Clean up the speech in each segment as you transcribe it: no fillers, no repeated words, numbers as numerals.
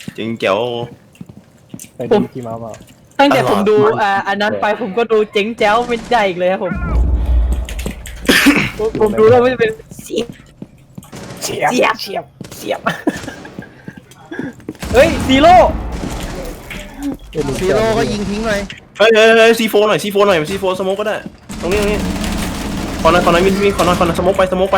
จริงเจ๋วไปดูกี่มาเปล่าตั้งแต่ผมดูอันนั้นไปผมก็ดูเจ๋งแจ๋วไม่ได้อีกเลยครับผมดูแล้วไม่เป็นเสียบเฮ้ยซีโร่ก็ยิงทิ้งเลยเฮ้ยซีโฟหน่อยซีโฟสโมกก็ได้ตรงนี้ขอหน่อยมีขอหน่อยสโมกไป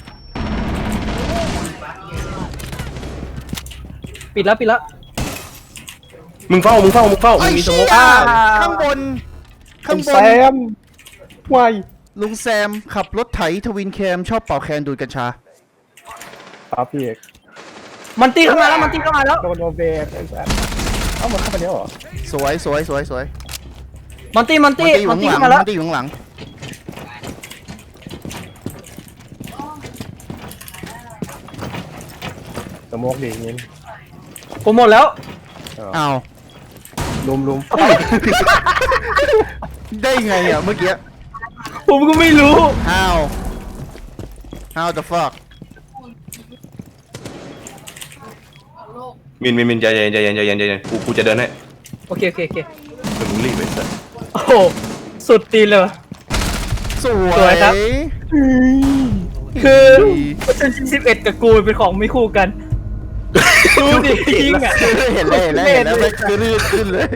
ปิดแล้วมึงเฝ้ามึงมีสโมกข้างบนแซมวายลุงแซมขับรถไถทวินแคมชอบเป่าแคนดูดกัญชาครับพี่เอกมันตีเข้ามาแล้วโดนโอเบกไอ้แซมเอ้ามันเข้าไปแล้วเหรอสวยมันตีเข้ามาแล้วมันตีอยู่ข้างหลังสโมกดีงี้ผมหมดแล้วอ้าวลุมได้ไงอ่ะเมื่อกี้ผมก็ไม่รู้ how the fuck มินใจเย็นกูจะเดินให้โอเคมึงรีบไปสักโอ้โหสุดตีนเลยสวยครับคือ11กับกูเป็นของไม่คู่กันดูดิยิงอ่ะเห็นแล้วไม่คือลื่นขึ้นเลย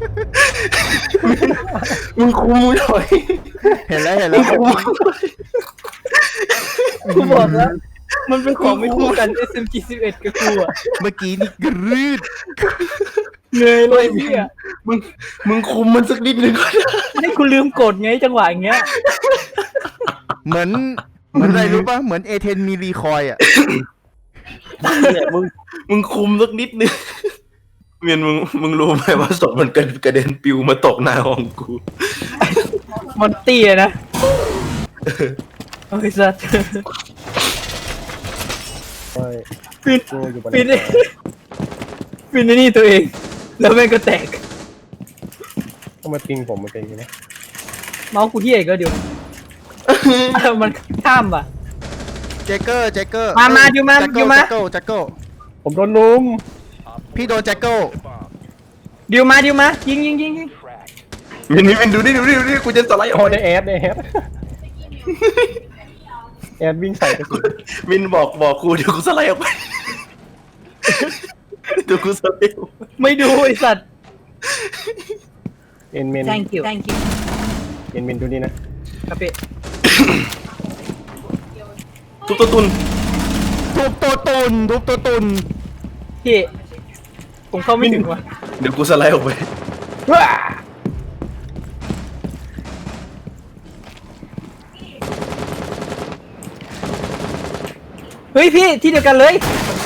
มึงคุมหน่อยเห็นแล้วกูบอกแล้วมันเป็นของไม่คู่กัน SMG 11กับกูอ่ะเมื่อกี้นี่กรืดเหนื่อยเลยพี่อ่ะมึงคุมมันสักนิดนึงก็ได้ให้กูลืมกดไงจังหวะอย่างเงี้ยเหมือนอะไรรู้ป่ะเหมือนเอเทนมีรีคอยอ่ะเนี่ยมึงคุมสักนิดนึงเมียนมึงรู้ไหมว่าศพมันกระเด็นปิวมาตกหน้าห้องกูมันเตี้ยนะโอ้ยสัตว์ปิดนี่ตัวเองแล้วแม่งก็แตกก็มาติงผมมาติงนะเมาส์กูที่เอกก็เดี๋ยวมันข้ามอ่ะแจ็คเกอร์มาอยู่มาแจ็คเกิลผมโดนลุมพี่โดนแจ็คเกิลเดี๋ยวมายิงมินดูดิกูจะสไลด์ออกได้แอดวิ่งใส่กระสุนมินบอกกูเดี๋ยวกูสไลด์ออกไปเดี๋ยวกูสไลด์ไม่ดูไอสัตว์เอ็นเมน thank you เอ็นเมนดูนี่นะครับพี่ทุบตัวตุนพี่ผมเข้าไม่ถึงว่ะเดี๋ยวกูสไลด์ออกไปเฮ้ยพี่ที่เดียวกันเลย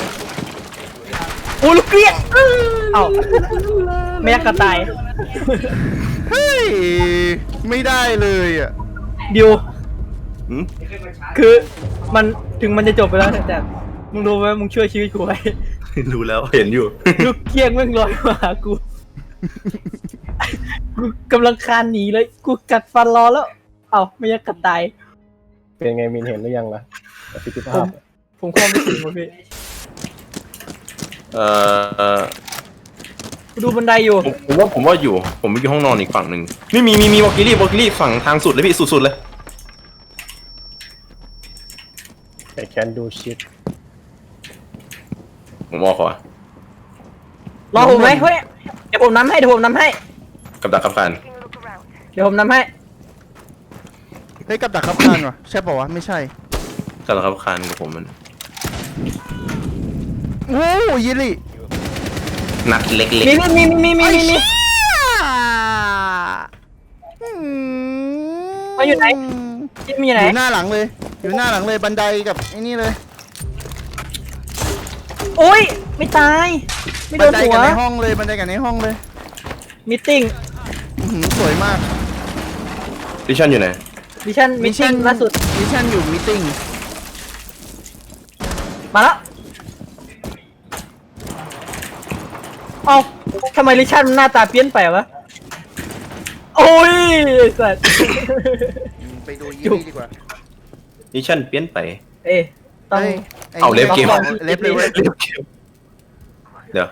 โอ้ลูกเกลี้ยเอ้าไม่ยักกระต่ายเฮ้ยไม่ได้เลยอ่ะดิวคือมันถึงมันจะจบไปแล้วแต่มึงรู้ไหมมึงช่วยชีวิตกูไว้รู้แล้วเห็นอยู่ลูกเกี้ยงแม่งลอยมาหากูกำลังคานหนีเลยกูกัดฟันรอแล้วเอ้าไม่ยักกระต่ายเป็นไงมินเห็นหรือยังล่ะประสิทธิภาพผมความไม่ถึงว่ะพี่ดูบันไดอยู่ผมว่าอยู่ผมอยู่ห้องนอนอีกฝั่งหนึ่งไม่มีวอลกิลี่ฝั่งทางสุดเลยพี่สุดเลย I can do shit ผมบอกขอรอผมไหมเฮ้ยเดี๋ยวผมนำให้กับดักกับการเดี๋ยวผมนำให้เฮ้ยกับดักขับคานวะใช่ป่าวะไม่ใช่กับดักกับการกับผมมันโอ้ยิรินัดเล็กๆมีมาอยู่ไหนอยู่หน้าหลังเลยบันไดกับไอ้นี่เลยโอ้ยไม่ตายไม่โดนหัวบันไดกันในห้องเลยมีติ้งสวยมากดิชั่นอยู่ไหนดิชั่นล่าสุดดิชั่นอยู่มีติ้งมาแล้วเอ้าทำไมดิชั่นหน้าตาเปลี่ยนไปวะโอ้ยสัตว์ไปดูยี่ดีกว่าดิชั่นเปลี่ยนไปต้องเอาเล็บเกมเล็บเลยเล็บเกมเดี๋ยว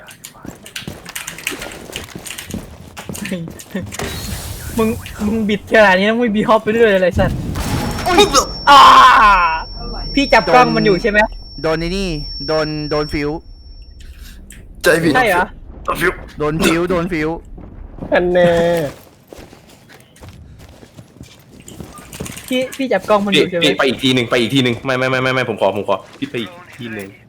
มึงมึงบิดขนาดนี้ต้องไม่บีฮอปไปเรื่อยเลยสัตว์ปุ๊บอ่าพี่จับกล้องมันอยู่ใช่ไหมโดนไอ้นี่โดนฟิวใจผิดใช่เหรอฟิวโดนฟิวโดนฟิวอันแน่พี่จับกล้องมันอยู่ใช่ไหมพี่ไปอีกทีหนึ่งไม่ผมขอพี่ไปอีกทีหนึ่ง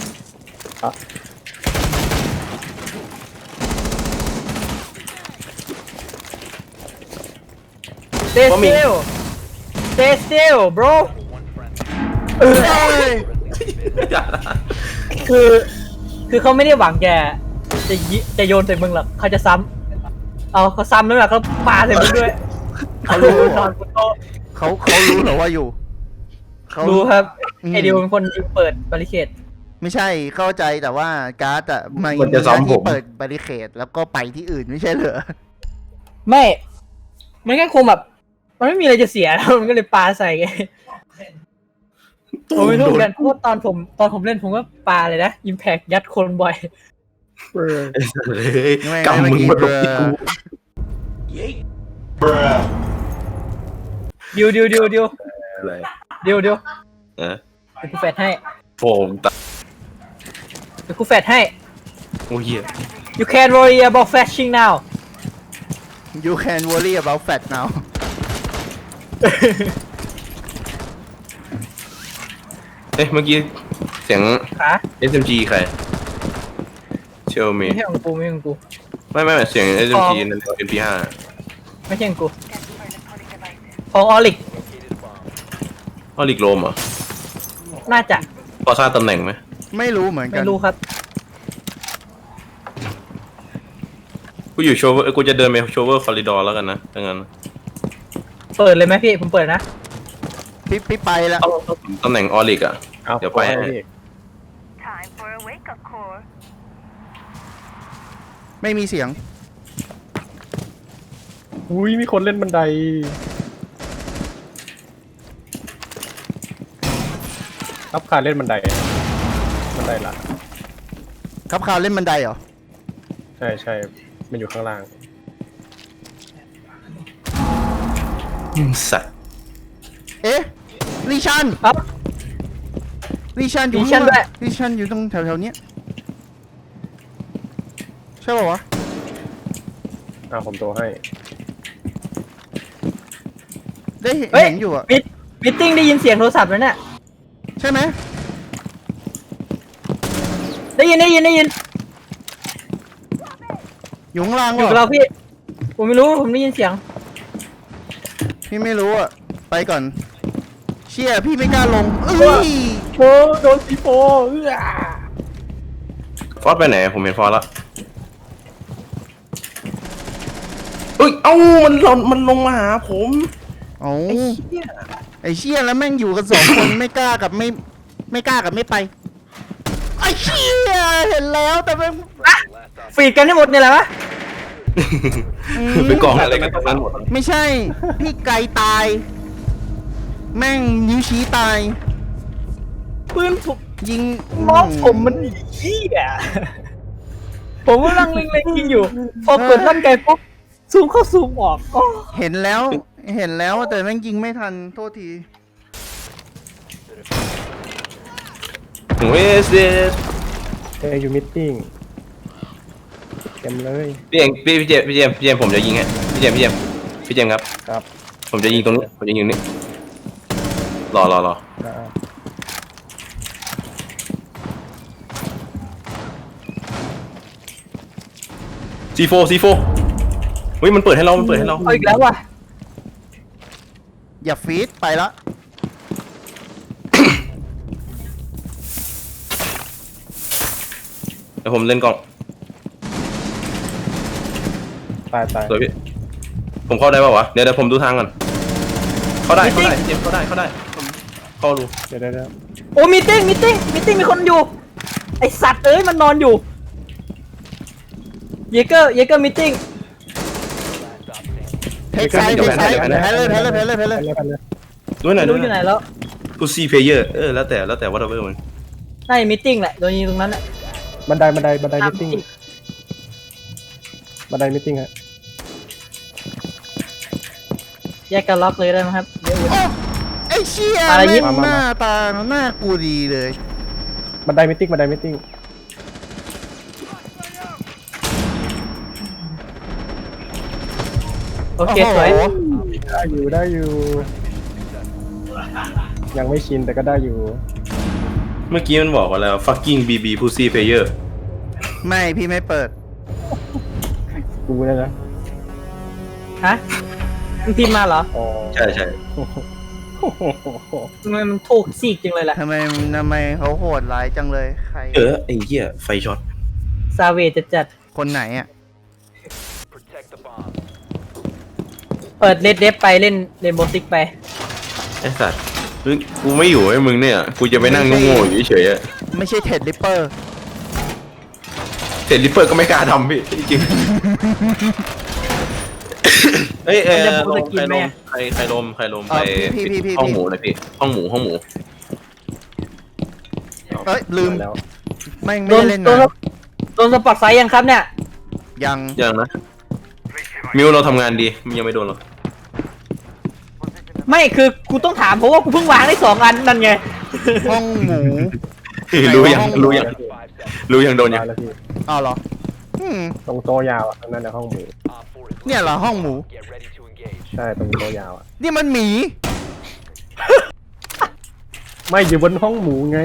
Stay still Stay still bro อย่านะคือเขาไม่ได้หวังจะโยนใส่มึงหรอกเขาจะซ้ำเขาซ้ำแล้วแบบเขาปาใส่มึงด้วยเขารู้นอนบนโต๊ะเขารู้เหรอว่าอยู่เขารู้ครับอืมไอเดียวเป็นคนยิงเปิดบาริเคดไม่ใช่เข้าใจแต่ว่าการ์ดอะมันมันจะซ้อมผมเปิดบาริเคดแล้วก็ไปที่อื่นไม่ใช่เหรอไม่มันแค่คงแบบมันไม่มีอะไรจะเสียแล้วมันก็เลยปาใส่ไงผมไม่รู้เหมือนกันเพราะว่าตอนผมเล่นผมก็ปาเลยนะ Impact ยัดคนบ่อยเออเลยกำมึงมาตกที่กูดิวอะไรเดี๋ยวเออเดี๋ยวกูแฟดให้โฟมตาเดี๋ยวกูแฟดให้โอ้เหี้ย You can't worry about flashing now You can worry about fat now เมื่อกี้เสียงขา SMG ใครเชลมีไม่ใช่ของกูไม่ใช่ของกูไม่เสียง SMG นั่น MP5 ไม่ใช่ของกูของออลิกออลิกโรมเหรอน่าจะพอทราบตำแหน่งไหมไม่รู้เหมือนกัไม่นรู้ครับกูอยู่โชเวอร์กูจะเดินไปโชเวอร์คอริดอร์แล้วกันนะถ้างั้นเปิดเลยไหมพี่ผมเปิดนะพี่ไปแล้วตำแหน่งออลิกอ่ะเอาเดี๋ยวไปให้พี่ Time for a wake-up call. ไม่มีเสียงอุ้ยมีคนเล่นบันไดครับขาเล่นบันไดละครับคราวเล่นบันไดเหรอใช่มันอยู่ข้างล่างสัตว์เอ๊ะลิชันครับลิชันอยู่ลิชันด้วยลิชันอยู่ตรงแถวๆเนี้ยใช่ป่าวะเอาผมโทรให้ได้เเฮ้ยห็นอยู่อะมิทติ้งได้ยินเสียงโทรศัพท์แล้วเนี่ยใช่ไหมได้ยินอยู่ข้างล่างอยู่กับวะเราพี่ ผมไม่รู้ผมได้ยินเสียงพี่ไม่รู้อะไปก่อน เชี่ยพี่ไม่กล้าลงเอ้ยโอ้โดนซีโฟเออฟอสไปไหนผมเห็นฟอสแล้วเอ้ยมันลงมาหาผมโอ้ไอ้เชี่ยแล้วแม่งอยู่กันสองคน ไม่กล้ากับไม่กล้ากับไม่ไปไอ้เชี่ยเห็นแล้วแต่แม่งฟีดกันให้หมดเนี่ยแหละวะไปกองอะไรกันตรงนั้นหมดไม่ใช่ พี่ไกลตาย แม่งนิ้วชี้ตายปืนผมยิงน้องผมมันเหี้ยผมกำลังเล็งๆยิงอยู่ พอกดลั่นไกปุ๊บซูมเข้าซูมออกอ๋อเห็นแล้วแต่แม่งยิงไม่ทันโทษทีเวสเดสเอ้ยอยู่มิทติ้งเต็มเลยพี่เจมส์ผมจะยิงฮะพี่เจมส์ครับครับผมจะยิงตรงนี้ผมจะยิงนี่รออ่า C4 เฮ้ยมันเปิดให้เราเอาอีกแล้วว่ะอย่าฟีดไปละเดี๋ยวผมเล่นกล้องตายสวยพี่ผมเข้าได้ป่าวะเดี๋ยวผมดูทางก่อนเข้าได้เจมส์เข้าได้ผมเข้าดูเดี๋ยวโอ้มีติ้งมีคนอยู่ ไอสัตว์เอ้ยมันนอนอยู่ เยเกอร์มีติ้งเทคไซด์แพ้เลยไปเลยด้วยหน่อยรู้อยู่ไหนแล้วกูซีเพลเยอร์แล้วแต่ whatever มันน่าจะมีติ้งแหละโดนยิงตรงนั้นแหละบันไดมิทติ้งบันไดมิทติ้งฮะแยกกันล็อกเลยได้ไหมครับเดี๋ยวโอ้ไอ้เชี่ยอะไรแม่ยิงบหน้าตาหน้ากูดีเลยบันไดมิทติ้งโอเคสวยโอ้โหได้อยู่ ยังไม่ชินแต่ก็ได้อยู่เมื่อกี้มันบอกว่าแล้ว fucking BB pussy player ไม่พี่ไม่เปิดกูเนี่ยนะฮะมึงพิมพ์มาเหรออ๋อใช่ใช่ทำไมมันถูกซีกจังเลยล่ะทำไมเขาโหดร้ายจังเลยใครไอ้เหี้ยไฟช็อตซาเวจจัดคนไหนอ่ะเปิดเลดเดฟไปเล่นเรนโบว์ซิกไปไอ้สัตว์กูไม่อยู่ให้มึงเนี่ย กูจะไปนั่งโง่ๆอยู่เฉยๆอะไม่ใช่เท็ดริปเปอร์เสร็จริปเปอร์ก็ไม่กล้าทำพี่จริงเอ้ยมันจะพูดลจะมกินไหมอะใครลมไปพี่ห้องหมูเลยพี่ห้องหมูเอ้ยลืมแล้วไม่โดได้นเล่นโดนนะโดนสปอตไซด์ยังครับเนี่ยยังยังนะมิวเราทำงานดีมันยังไม่โดนหรอกไม่คือกูต้องถามเพราะว่ากูเพิ่งวางได้2 อันนั่นไงห้องหมูรู้ไหนยังว่าห้องหมูรู้ยังโดนยังได้แล้วพี่อ้าวเหรออืมตรงโต๊ะยาวอ่ะนั่นนะห้องหมูเนี่ยเหรอห้องหมูใช่ตรงโต๊ะยาวอ่ะนี่มันหมีไม่อยู่บนห้องหมูไง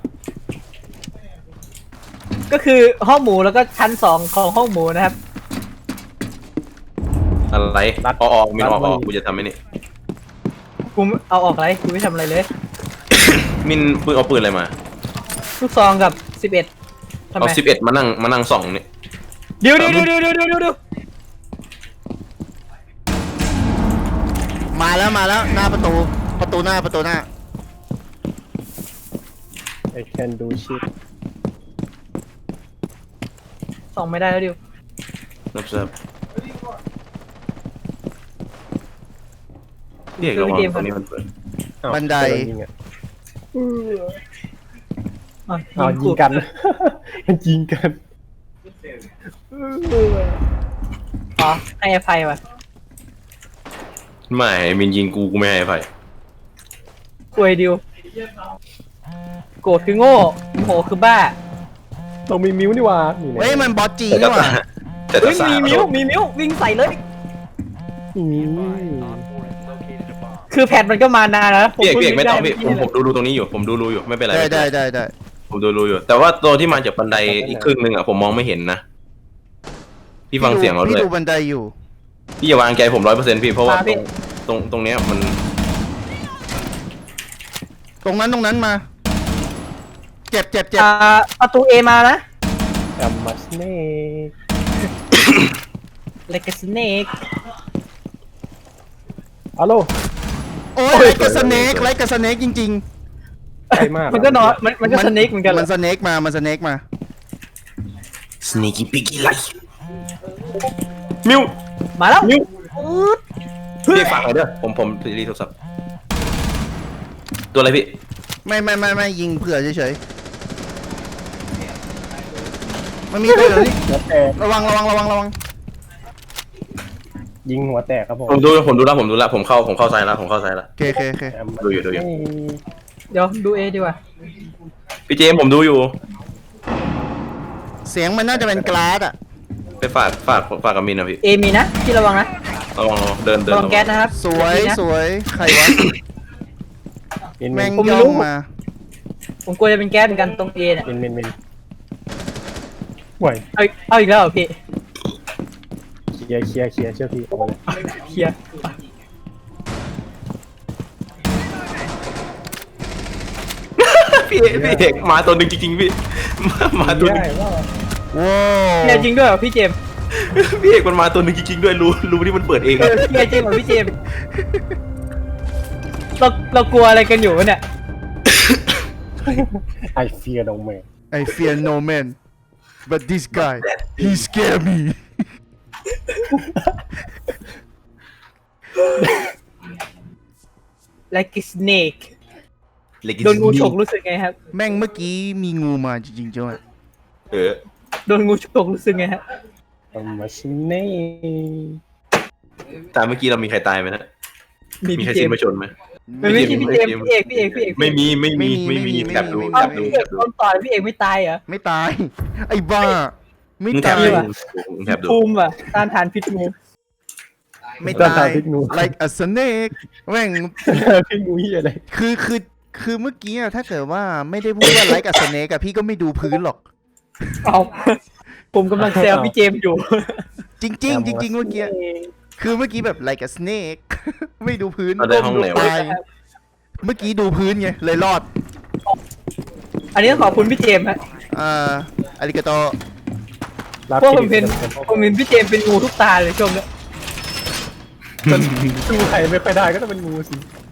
ก็คือห้องหมูแล้วก็ชั้น2ของห้องหมูนะครับอะไรออกมินออกกูจะทำไอ้นี่กูเอาออกอะไรกูไม่ทำอะไรเลยมินปืนเอาปืนอะไรมาลูกซองกับ11ทำไมเอา11มานั่งส่องนี่เดี๋ยวมาแล้วหน้าประตูหน้า I can do shit ส่องไม่ได้แล้วดิวรับทราบเรียกระวังตรงนี้มันเปิดอ้าวบันไดโนยิงอ่ะอ่ะอ้าวยิงกัน มันยิงกันอ๋อให้อภัยว่ะไม่มินยิงกูไม่ให้อภัยกวยดิวโกรธคือโง่โมโหคือบ้าเรามีมิ้วนี่หว่านี่เฮ้ยมันบอสจีแต่นี่หว่าแต่เฮ้ยสามีมิ้ววิ่งใส่เลยอืมคือแพทมันก็มานานแล้วเปียกไม่ต้องพี่เพิ่งผมดูรูตรงนี้อยู่ผมดูรูอยู่ไม่เป็นไรได้ผมดูรูอยู่ แต่ว่าตัวที่มาจากบันไดอีกครึ่งนึงอ่ะผมมองไม่เห็นนะพี่ฟังเสียงเราด้พี่วยดูบันไดอยู่พี่อย่าวางใจผม100%พี่เพราะว่าตรงเนี้ยมันตรงนั้นมา เจ็บประตูเอมานะกัมมัสเน่เลกสเนกฮัลโหลโอ้ยไรกับสเนกจริงใกล้มากมันก็นอนมันๆก็สเนกเหมือนกันเหรมัอนสเนกมา sneaky piggy like มิวมาแล้วมิวพี่ฟังหน่อยเด้อผมรีโทรศัพท์ตัวอะไรพี่ไม่ยิงเผื่อเฉยๆมันมีตัวเหรอนี่หัวแตกระวังยิงหัวแตกครับผมผมดูแล้วผมเข้าซ้ายแล้วผมเข้าซ้ายแล้วโอเคแอมดูอยู่เฮ้ยเดี๋ยวดูเอดีกว่าพี่เจมส์ผมดูอยู่เสียงมันน่าจะเป็นกลาสอ่ะไปฝากกับมินนะพี่เอมีนะที่ระวังนะระวังเดินระวังแก๊สนะครับสวยใครวะมินแม่งผมไม่ย่อรู้งมาผมกลัวจะเป็นแก๊สเหมือนกันตรงเอเนี่ยมินห่วยเอาอีกแล้วเหรอพี่เคลียร์เชื่อพี่เอาไปเลยเคลียร์พี่เอกมาตัวหนึ่งจริงๆพี่มาตัวหนึงได้ว่าว้าเคลียร์จริงด้วยเหรอพี่เจมส์พี่เอกมันมาตัวหนึ่งจริงๆด้วยรู้ที่มันเปิดเองเคลียร์จริงเหรอพี่เจมส์เรากลัวอะไรกันอยู่วะเนี่ยไอเฟียร์ดงแมน I fear no man but this guy he scare me like a snake โดนงูฉกรู้สึกไงครับแม่งเมื่อกี้มีงูมาจริงๆจ้ะโดนงูฉกรู้สึกไงฮะมาชิเน่ตามเมื่อกี้เรามีใครตายไหมนะมีใครเจสิ้มนมาชนไหมไม่ใช่พี่เจมพี่เอกไม่มีแถบดูเอาพี่เอกโดนต่อยพี่เอกไม่ตายเหรอไม่ตาย ไอ้บ้า ไม่มึงแถตาบยดูมึงแถบดูภูมิอ่ะต้านทานพิษงูไม่ตาย like a snake แม่งพี่งูเหี้ยอะไรคือเมื่อกี้อะถ้าเกิดว่าไม่ได้พูดว่า like a snake อะพี่ก็ไม่ดูพื้นหรอกเอาผมกำลังแซวพี่เจมอยู่จริงๆจริงๆเมื่อกี้คือเมื่อกี้แบบ like a snake ไม่ดูพื้นเราได้ห้องไหนวะตายเมื่อกี้ดูพื้นไงเลยรอดอันนี้ต้องขอบคุณพี่เจมฮะอาริกาโตเพราะผมเห็นพี่เจมเป็นงูทุกตาเลยช่วงเนี้ยดูใครไม่ค่อยได้ก็ต้องเป็นงูสิ